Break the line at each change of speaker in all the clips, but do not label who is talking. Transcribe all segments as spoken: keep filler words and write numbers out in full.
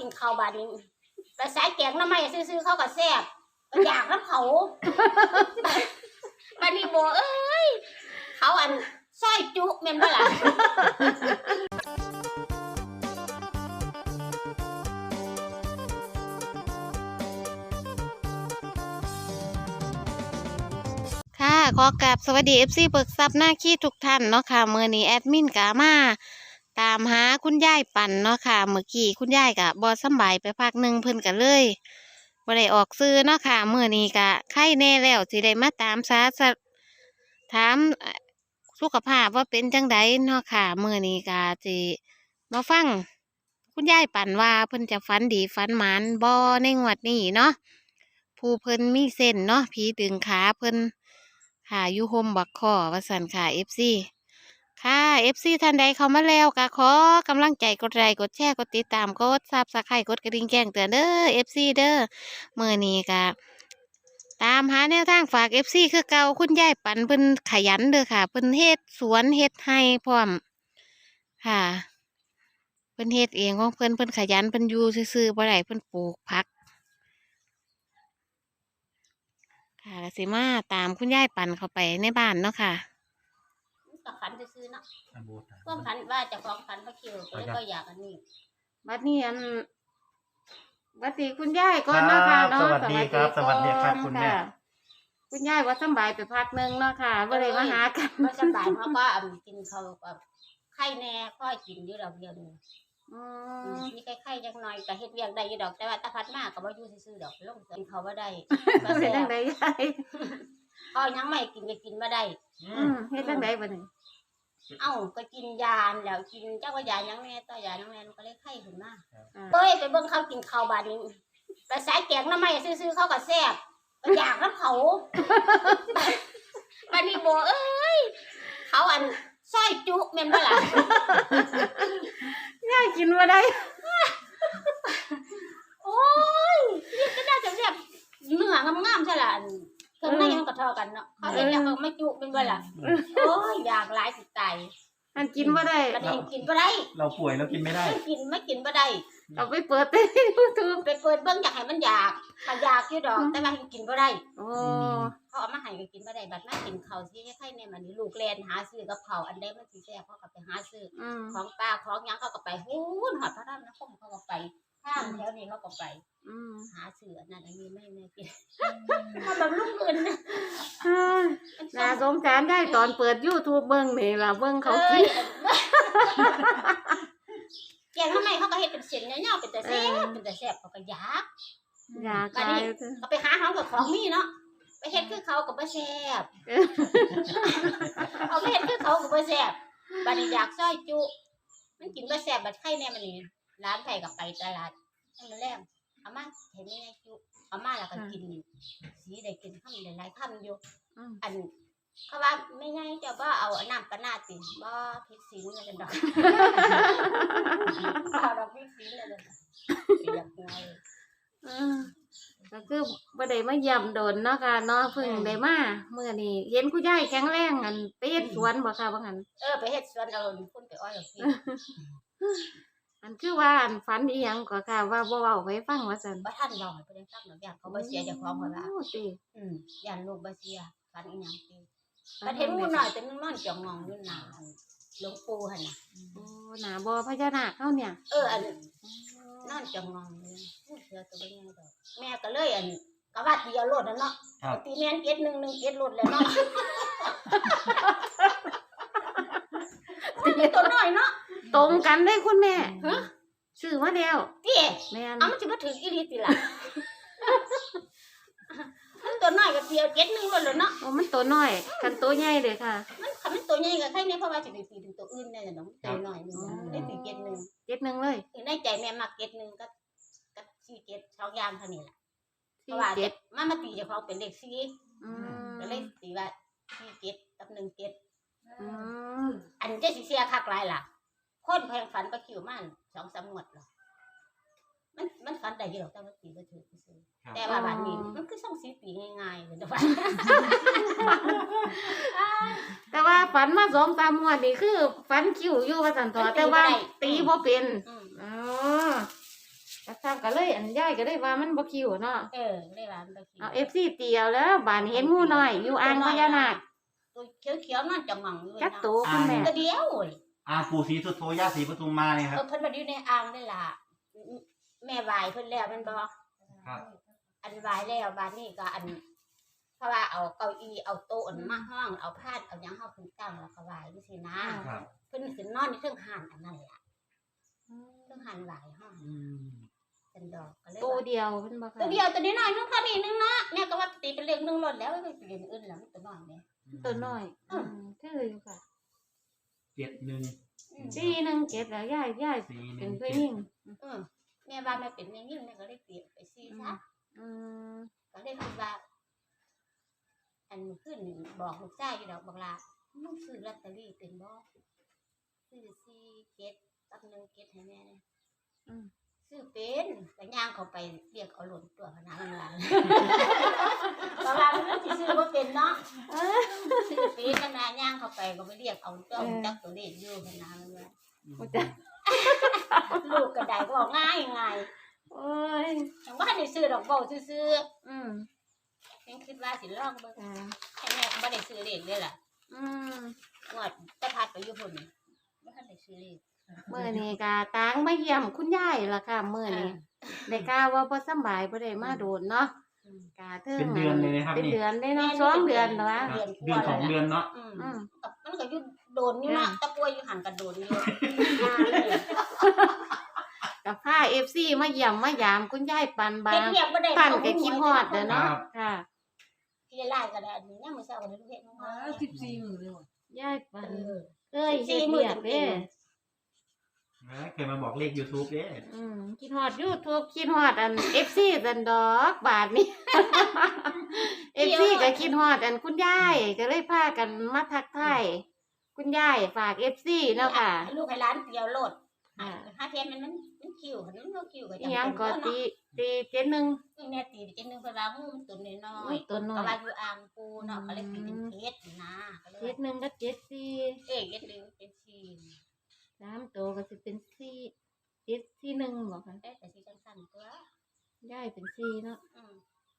กินข้าวบาดนี้ไปสายแกงน้ำไม้ซื้อๆเขาก็แซ่บอยากน้ำเขาบาดนี้โบเอ้ยเขาอันซอยจุแม่นบ่ล่ะ
ค่ะขอกราบสวัสดี เอฟ ซี เบิกทรัพย์หน้าขี้ทุกท่านเนาะค่ะมื้อนี้แอดมินกามาตามหาคุณยายปั่นเนาะค่ะเมื่อกี้คุณยายก็บ่สำบายไปพักหนึ่งเพิ่นก็เลยบ่ได้ออกซื้อเนาะค่ะมื้อนี้ก็ไข้แน่แล้วสิได้มาตามสาสะถามสุขภาพว่าเป็นจังไดเนาะค่ะมื้อนี้ก็สิมาฟังคุณยายปั่นว่าเพิ่นจะฝันดีฝันหมานบ่ในงวดนี้เนาะผู้เพิ่นมีเส้นเนาะผีดึงขาเพิ่นค่ะอยู่โฮมบักคอว่าสันค่ะ เอฟ ซี ค่ะ เอฟ ซี ท่านใดเข้ามาแล้วก็ขอกำลังใจกดไลค์กดแชร์กดติดตามกดซับสไครต์กดกระดิ่งแจ้งเตือนเด้อ เอฟ ซี เด้อมื้อนี้ก็ตามหาแนวทางฝาก เอฟ ซี คือเก่าคุณยายปันเพิ่นขยันเด้อค่ะเพิ่นเฮ็ดสวนเฮ็ดไร่พร้อมค่ะเพิ่นเฮ็ดเองของเพิ่นเพิ่นขยันเพิ่นอยู่ซื่อๆบ่ได้เพิ่นปลูกผักค่ะสิมาตามคุณยายปั่นเข้าไปในบ้านเนาะค่ะ
ก็ฝันซื้อๆเนาะพวกฝันว่าจะของฝันพระคิวก็เลยก็อยากอันนี้บัดนี้อันบัดนี้คุณยายก่อนเนาะค่ะเนาะ
สวัสดีครับสวัสดีครับคุณแม่
คุณยายว่าสบายไปพักนึงเนาะค่ะบ่ได้มาหากัน
บ่สบายเพราะว่ากินข้าวกับไข่แน่ค่อยกินอยู่ดอกเดียวนึงอืมมีไข่ๆจังหน่อยก็เฮ็ดเวียกได้อยู่ดอกแต่ว่าตาพัดมาก็บ่อยู่ซื่อๆดอกลงกินข้าวบ่ได้
ก็เป็นจังได๋ยาย
เอายังไม่กินก็กินบ่ได้
อืมเฮ็ดจังได๋บัดนี้
เอ้าก็กินยาแล้วกินจักว่ายายังแม่ต่อยายังแม่มันก็เลยไข้ขึ้นมาเอ้ยไปเบิ่งเขากินข้าวบาดนี้ไปสายแกงน้ำไม้ซื่อๆเขาก็แซ่บอยากน้ำเขาบาดนี้โบเอ้ยเขาอันซอยจุแม่นบ่ล่ะ
ยายกินบ่ได้
โอ้ยนี่ก็น่าจะแบบเนื้องามๆใช่ล่ะเครื่องในมันก็เท่ากันเนาะเขาเห็นแล้วเขาไม่จุเป็นบ่ล่ะโอ้ยอยากหลายสิตาย
มันกินบ่ได้
มันกินบ่ได้
เราป่วยเรากินไม่ได้
ไม่กินไม่กินบ่ได้
เอาไปเปิดใน YouTube
ไปเปิดเบิ่งอยากให้มันอยากถ้าอยากอยู่ดอกแต่ว่ากินบ่ได้
โอ้
เขาเอามาให้ก็กินบ่ได้บัดมากินข้าวสิให้ใครแน่มันนี่ลูกแล่นหาซื้อกับข้าวอันใดมันสิแซ่บเขาก็ไปหาซื้อของป้าของหยังเขาก็ไปฮู้นฮอดพระรามนครเขาก็ไปทางแถวนี้เขาก็ไปหาซื้ออันนั้นอันนี้ไม่ไม่กินมาบำรุงอื่น
น่าสงสารได้ตอนเปิด YouTube เบิ่งนี่ล่ะเบิ่งเขากิน
แกงทำไมเขาก็เฮ็ดเป็นเส้นยาวๆเป็นแต่แซ่บเป็นแต่แซ่บเขาก็อยาก
อยากไป
ก็ไปหาของกับของมีเนาะไปเฮ็ดคือเขาก็บ่แซ่บเอาไปเฮ็ดคือเขาก็บ่แซ่บบัดนี้อยากซอยจุมันกินบ่แซ่บบัดไข่แน่มันนี่ร้านไผก็ไปตลาดให้มันแลมเอามาเห็นยังไงจุเอามาแล้วก็กินสีได้กินคำหลายๆคำอยู่อันเขาว่าไม่ไงจะบ่เอาน้ำปะนาติบ่พริกสิงนั่นดอกเอาดอกพริกสิงนั่นดอกอยากไง
อือก็คือบ่ได้มาเยี่ยมโดนเนาะค่ะเนาะเพิ่งได้มามื้อนี้เห็นคุณยายแข็งแรงอันไปเฮ็ดสวนบ่ค่ะว่างั้น
เออไปเฮ็ดสวนเอาพุ่นไปอ้อยเอาพี่
อันคือว่าอันฝันอีหยังก็ค่ะว่าบ่เว้าให้ฟังว่าซั่น
บ่ทันเว้าให้เพิ่นฟังดอกย่านเขาบ่เสียเจ้าของว่า
โอ้ติ
อืมย่านลูกบ่เสียฝันอีหยังติบัดเห็นงูน้อยแต่มันนอนจ้องมองอยู่หน้าหลวงปู่หั่นน่ะ
โอ้หน้าบ่พญานาคเฮาเนี่ย
เอออันนอนจ้องมองอยู่เสือตัวบ่ใหญ่ดอกแม่ก็เลยอันก็ว่าตีเอาโลดนั่นเนาะตีแม่นเจ็ดหนึ่งหนึ่งเจ็ดโลดแล้วเนาะมันตัวน้อยเนาะ
ตรงกันได้คุณแม่ฮะซื้อมาแล้ว
ติแม่นเอามันสิบ่ถึงอีหลีติล่ะมันตัวน้อยก็เตียวเจ็ดหนึ่งโลดแล้วเนาะ
โอ้มันตัวน้อยคันตัวใหญ่เด้อค่ะ
มันคันมันตัวใหญ่ก็ใครแน่เพราะว่าสิไปตีถึงตัวอื่นแน่เนาะตัวน้อยนึงได้ตีเจ็ดหนึ่ง
เจ็ดหนึ่งเลย
ในใจแม่มักเจ็ดหนึ่งกับกับสี่เจ็ดสองอย่างเท่านี้ล่ะเพราะว่าเจ็ดมันมาตีเจ้าของเป็นเลขสี่อืมก็เลยตีว่าสี่เจ็ดกับหนึ่งเจ็ดอืมอันเจ๊สิเสียคักหลายล่ะคนแพงฝันก็คิวมันสองสามงวดหรอกมันมันฝันได้อยู่หรอกแต่ว่าตีบ่ถูกซื่อแต่ว่าบัดนี้มันคือส่งสีตีง่ายๆเลยว่า
แต่ว่าฝันมาสองสามงวดนี่คือฝันคิวอยู่ว่าซั่นเถาะแต่ว่าตีบ่เป็นอ๋อก็ก็เลยอันยายก็เลยว่ามันบ่คิวเนาะ
เออเลยว่ามันบ่คิว
เอา เอฟ ซี ตีเอาแล้วบานเห็นงูน้อยอยู่อ่างพญานาค
ตัวเขียวๆนั่นจะหมั่งอยู่
จัก
นะ
โตคุณแม่
ตัวเดียวเว้ย
อาปู่ศรีสุโธย่าศรีปทุมมาเนี่ยค
เอ
รับ
อเพิ่นมาอยู่ในอ่างนี่ล่ะแม่ไหวเพิ่นแล้วแมันบ่
ครับ
อันไหวแล้วบานนี้ก็อัน เพราะว่าเอาเก้าอี้เอาโต๊ะอันมาห้องเอาผ้าเอาหยังเฮาขึ้นตั้งแล้วก็ไหวจังซี่นะครับ เพิ่นสินอนในเครื่องห่านอันนั้นล่ะเครื่องห่านไหวห้อง
อืม
เป็นดอกก็เลย
โต
ว่า
เดียวเพิ่นบ่ค่ะ
ตัวเดียวตัวนี้น้อยนึงเท่านี้นึงเนาะแม่ก็ว่าตีเป็นเลขหนึงหล่นแล้วไม่เป็นเลขอื่นแล้วมันตัวน้อยแม่
ตัวน้อยอืมคืออยู่ค่ะ
เจ็ดหนึ่ง
อืม
สี่หนึ่งเจ็ดแล้วยายยาย
สี่ห
เป็
นึ่
น
ง
ผู้
เจ็ด
หญิง
เออแม่ว่าแม่เป็นแม่ยิ่งแม่ก็เลยเปลี่ยนไปซีซะ
อืม
ก็เลยคิดว่า อันขึ้นบอกลูกชายอยู่ดอกบอกลามึงซื้อลอตเตอรี่เป็นบ่ซื้อสี่เจ็ดกับหนึ่งเจ็ดให้แม่เนี่ย
อืม
ซื้อเป็นก็ย่างเขาไปเรียกเอาหล่นตัวขนาดนั้นล่ะ เพราะว่ามันสิซื้อบ่เป็นเนาะซื้อเป็นขนาดย่างเขาไปก็ไปเรียกเอาตัวจักตัวเลขอยู่ขนาดนั้นล่ะ
บ่จ้ะ
ลูกก็ได้ก็บอกง่ายง่าย
โอ้ย
จังว่าได้ซื้อดอกเบ้าซื่อ
อืม
ๆยังคิดว่าสิลองเบิ่ง
จ้ะ
ให้แม่ก็บ่ได้ซื้อเลขเด้อล่ะ
อืม
งวดจะพัดไปอยู่พุ่นบ่ทันได้ซื้อเลข
มื้อนี้ก็ตางมาเยี่ยมคุณยายล่ะค่ะมื้อนี้ได้กล่าวว่าบ่สำบายบ่ได้มาโดนเนาะ
อืม
กะเทิง
เป็นเดือนเลยนะครับ
เป็น
นี่
เดือนได้เนาะสองเดือนแล้ววะ
ครับเดือนสองเดือนเนาะ
อืม
อืม
กับมันก็อยู่โดนอยู่เนาะตะป่วยอยู่หันกันโดนอยู่
กับพา เอฟ ซี มาเยี่ยมมายามคุณยายปันบา
เฮ็ด
ง
เรียกบ่ได้
ปันก็คิดฮอดเด้อเนาะค่ะ
พี่ไล่ก็ได้อันนี้ยังมื้อเช้าก็ได้ลูกเฮ็ดมา
อ่าสิบสี่มื้อเลยว่ะ
ยายปัน
เออ
เอ้ยเฮ็ดเรียกเด้
เคยมาบอกเลข YouTube เด้
อืมคิดฮอด YouTube คิดฮอดอัน เอฟ ซี ซันดอกบาทนี้ เอฟ ซี ก็คิดฮอดอันคุณยายก็เลยพากันมาทักทายคุณยายฝาก เอฟ ซี เนาะค่ะ
ลูกให้ร้านเดียวโลด
อ่า
หาเทียนมันมันมันคิวมันบ่คิวก็
อีหยังก็ตีตีเจ็ดหนึ่ง
นี่แม่ตีจังนึงเพิ่นว่างูมันตัวน้อย
ตัวน้
ก็
อย
ว่าอยู่อ่างปูเนาะก็เลยตีเป็นเพชรนะก็เลย
เจ็ดหนึ่งก็เจ็ดสี่
เอ๊ะเฮ็ดดึงเป็นชี
สามตัวก็สิเป็นสี่เจ็ดสี่หนึ่งบอกค่ะ
เอ๊ะแต่สิจังซั่นตัว
ยายเป็นสี่เนาะ
อืม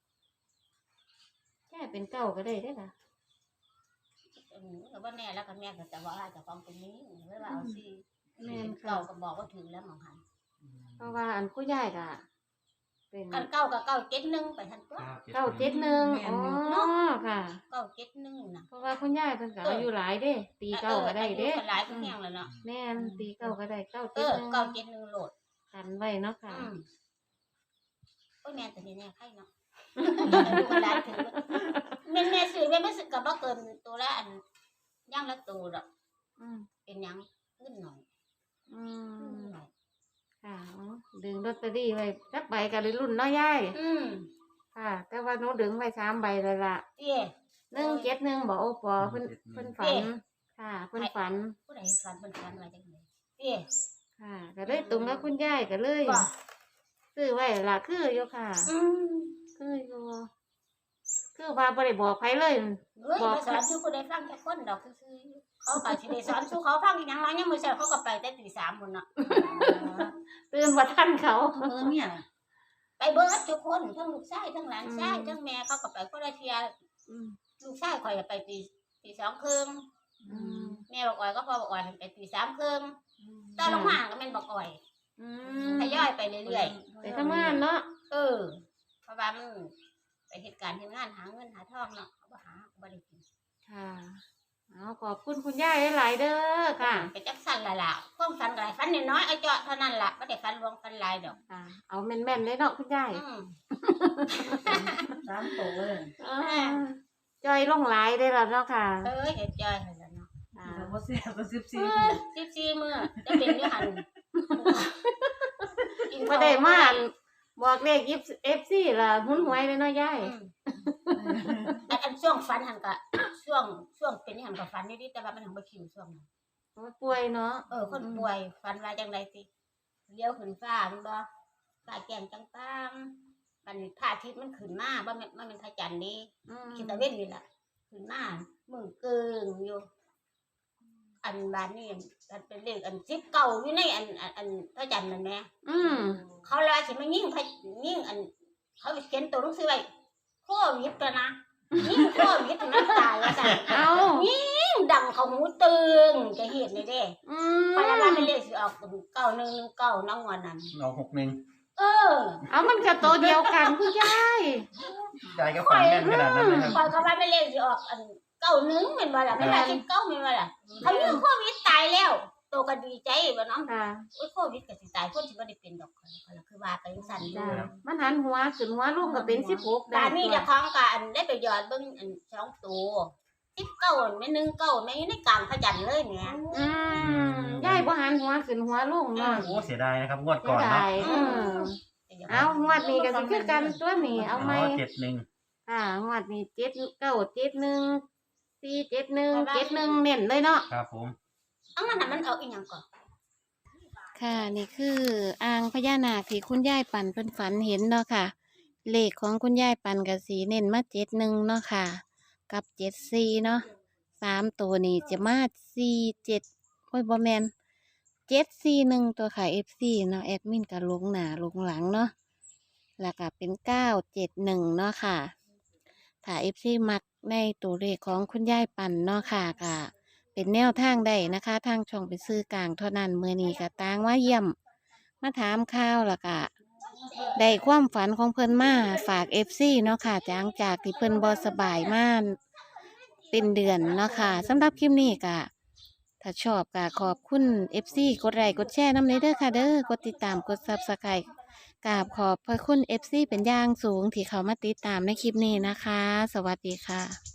ยายเป็นเก้าก็ได้ได้อล่ะ
อืมก็บ่แน่แล้วก็แม่ก็จะว่าเจ้าของเป็นนี้ไว้ว่าเอาสิ
แม่นค่ะ
เก่าก็บอกว่าถึงแล้วหมองหัน
เพราะว่าอันคุณยายก็เป็น
คันเก่าก็เก่าเจ็ดหนึ่งไปทันตัว
เก้าเจ็ดหนึ่งอ๋อค่ะ
เก่าเจ็ดหนึ่งน่ะ
เพราะว่าคุณยายเป็นก็อายุหลายเด้ตีเก้าก็ได้เด้
อออายุก็หลายก็แห้งแล้วเนาะ
แม่นตีเก้าก็ได้เก้า
เอ
เจ็ด
อ
หนึ่ง
เก่าเจ็ดหนึ่งโหลด
กันไว้เนาะค่ะ
อืมโอ้ยแม่แต่นี่แน่ไข่เนาะดูเวลาถือแม่แม่ซื้อแม่ไม่ซื้อกับบ่เกินตัวละอันย่างละตัวดอก
อืม
เป็นหยังขึ้นหน่อย
อื
ขึ้น
ม
หน่อย
ค่ะอ๋อดึงลอตเตอรี่ไว้สักใบก็เลยรุ่นเนาะยาย
อืม
ค่ะ แต่ว่าหนูดึงไว้สามใบเลยล่ะ
เตี้ย
หนึ่งเจ็ดหนึ่งบอกโอปอเพิ่นเพิ่นฝัน ค่ะเพิ่นฝัน
ผู้ใดฝันเพิ่นฝันว่าจังไดเตี้ย
ค่ะ ก็เลยตรงกับคุณยายก็เลย
ว่า
ซื้อไว้ล่ะคืออยู่ค่ะ
อืม
คืออยู่คือว่าบ่ได้บอกใครเลย
เฮ้ยไปสอนสู่ผู้ใดฟังจักคนดอกซื่อๆเขาก็สิได้สอนสู่เขาฟังอีหยังล่ะยังมื้อเช้าเขาก็ไปแต่ตีสามพุ่นน่ะ
ตื่นว่าท่านเขา
เออเนี่ย
ไปเบิดทุกคนทั้งลูกชายทั้งหลานชายทั้งแม่เขาก็ไปคนละเที่ย
อืม
ลูกชายข่อยก็ไปตีตีสองครึ่ง
อืม
แม่บอกอ่อยก็พอบอกอ่อยไปตีสามครึ่งตอนลงมาก็แม่นบอกอ่อย
อืม
ทยอยไปเรื่อย
ไปทำงานเนาะ
ๆเออเพราะว่ามันไปเหตุการณ์ที่งานหาเงินหาทองเนาะเขาบ่หาบ่ได้กิน
ค่ะเอาขอบคุณคุณยายหลายๆเด้อค่ะ
ไปจักสั่นละล่ะความฝันหลายฝันน้อยๆเอาเจาะเท่านั้นล่ะบ่ได้ฝันรวมฝันหลายดอก
ค่ะ เอาแม่นๆเลยเนาะคุณยาย
อืม
สามโตเลย
อ่าจอยลงหลายได้แล้วเนาะค่ะ
เอ้ยเฮ็ดจอยให้แล้วเนาะ
อ่า
แต่ว่าเสียก็สิบ
เอ
สี่
อสิบสี่มื้อจะเป็นอยู่หั่นกิน
บ่ได้มาอั่นบอกเลขยิบ เอฟ ซี ล่ะหุ้นหวยเลยเนาะยาย
อืมอันอันช่วงฝันหั่นก็ช่วงช่วงเป็นหั่นก็ฝันนิดๆแต่ว่ามันหังบ่คิวช่วงนั้น
ป่วยเนาะ
เออคนป่วยฝันว่าจังไดสิเลี้ยวขึ้นฟ้าแมันบ่ฟ้าแก้มจังตามมันพระอาทิตย์มันขึ้นมาบ่แม่นมันเป็นพระจันทร์นี่
อืม
คิดตะเว้นนี่ล่ะขึ้นมามือเกิงอยู่อันบ้านนี่อันเป็นเลขอันสิบเก่าอยู่ในอันอันอันพระจันทร์นั่นแหละ
อืม
เขาเลยสิมายิ่งพระยิ่งอัน เขาเขียนตัวหนังสือไว้โควิดตัวนะยิ่งโควิดนั้นตายแล้วจ้ะ
เอา
ยิ่งดังเขาหูตึงจะเห็นเลยเด้
อืม
พยาบาลเป็นเลขสิออกเก้าหนึ่งหนึ่งเก้าน้องวันนั้น
เอาหกหนึ่ง
เออ
เอามันก็ตัวเดียวกันคุณยาย
ยายก็ฝันแม่นขนาดนั้นเลยครับ
คอยเขาว่าเป็นเลขสิออกอันเก้าหนึ่งเป็นว่าล่ะไม่ว่าสิบเก้าเป็นว่าล่ะเขายิ่งโควิดตายแล้วโตก็ดีใจบ่น้อง
ค่ะ
โอ้ยโควิดก็สิตายคนสิบ่ได้เป็นดอกเขาเขาคือว่าไปจังซั่นอยู่
จ้ามันหันหัวขึ้นหัวลงก็เป็นสิบหก
บ้านนี้เจ้าของก็อันได้ไปหยอดเบิ่งอันสองตัวสิบเก้าแม่หนึ่งเก้าแม่อยู่ในกลางพระจันทร์เลยแหม่
อืมยายบ่หันหัวขึ้นหัวลงเนาะ
โอ้เสียดายนะครับงวด
เสี
ก่
ย
อนเนาะ
ดายเออเอางวดนี้ก็สิคือกันตัวนี้เอาไหม
เจ็ดหนึ่ง
ค่ะงวดนี้เจ็ดเก้าเจ็ดหนึ่งสี่เจ็ดหนึ่งเจ็ดหนึ่งเน้นเลยเนาะ
ครับผม
เอามันน่ะมันเอาอีหยังก่อน
ค่ะนี่คืออ่างพญานาคที่คุณยายปั่นเพิ่นฝันเห็นเนาะค่ะ เลขของคุณยายปั่นกับสีเน้นมาเจ็ดหนึ่งเนาะค่ะ กับเจ็ดสี่เนาะสามตัวนี้จะมาสี่เจ็ดโอ้ยบอแมนเจ็ดสี่หนึ่งตัวค่ะเอฟซีเนาะแอดมินกับลงหนาลงหลังเนาะแล้วก็เป็นเก้าเจ็ดหนึ่งเนาะค่ะ ถ้าเอฟซีมักในตัวเลขของคุณยายปั่นเนาะค่ะก็เป็นแนวทางได้นะคะ ทางช่องเป็นซื้อกลางเท่านั้นมือนี้ก็ตางว่าเยี่ยม มาถามข่าวแล้วก็ได้ความฝันของเพิ่นมาฝากเอฟซีเนาะค่ะจากจากที่เพิ่นบ่สบายมาเป็นเดือนเนาะค่ะสำหรับคลิปนี้ก็ถ้าชอบก็ขอบคุณเอฟซีกดไลค์กดแชร์นำเลยเด้อค่ะเด้อกดติดตามกดซับสไครต์กราบขอบพระคุณเอฟซีเป็นอย่างสูงที่เขามาติดตามในคลิปนี้นะคะ สวัสดีค่ะ